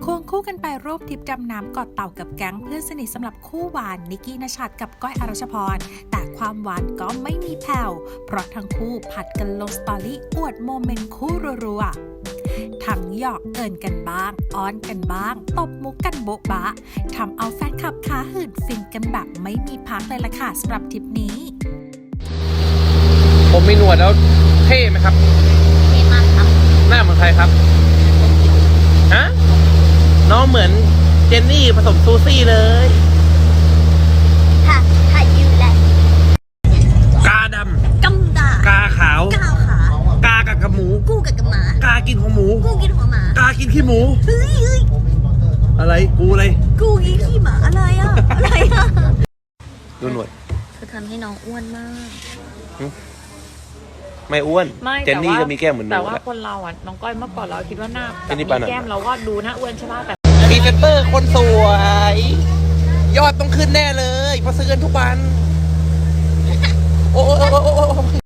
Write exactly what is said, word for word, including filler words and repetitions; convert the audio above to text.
ควงคู่กันไปร่วมทริปดำน้ำเกาะเต่ากับแก๊งเพื่อนสนิทสำหรับคู่หวานนิกกี้ณชัดกับก้อยอรัชพรแต่ความหวานก็ไม่มีแผ่วเพราะทั้งคู่ผัดกันลงสตอรี่อวดโมเมนต์คู่รัวๆทั้งหยอกเอินกันบ้างอ้อนกันบ้างตบมุกกันโบ๊ะบะทำเอาแฟนคลับขาหื่นฟินกันแบบไม่มีพักเลยล่ะค่ะสำหรับทริปนี้ผมมีหนวดแล้วเท่ไหมครับเท่มากครับหน้าเหมือนใครครับฮะน้องเหมือนเจนนี่ผสมซูซี่เลยค่ะค่ะยูแหละกาดำกำดากาขาวก้าวขากากับกับหมูกู้กับกับหมากากินของหมูกู้กินหัวหมากากินขี้หมูเฮ้ยเฮ้ยอะไรกูเลยกู้กินขี้หมาอะไรอ่ะอะไรอ่ะดูหนวดเธอทำให้น้องอ้วนมากไม่อ้วนไม่เจนนี่ก็มีแก้มเหมือนหนูแต่ว่าคนเราอ่ะน้องก้อยเมื่อก่อนเราคิดว่าหน้าแบบมีแก้มเราก็ดูหน้าอ้วนใช่ป่ะแต่พรีเซนเตอร์คนสวย ยอดต้องขึ้นแน่เลยเพราะซื้อกันทุกวันโอ้โอ้โอ้โอ้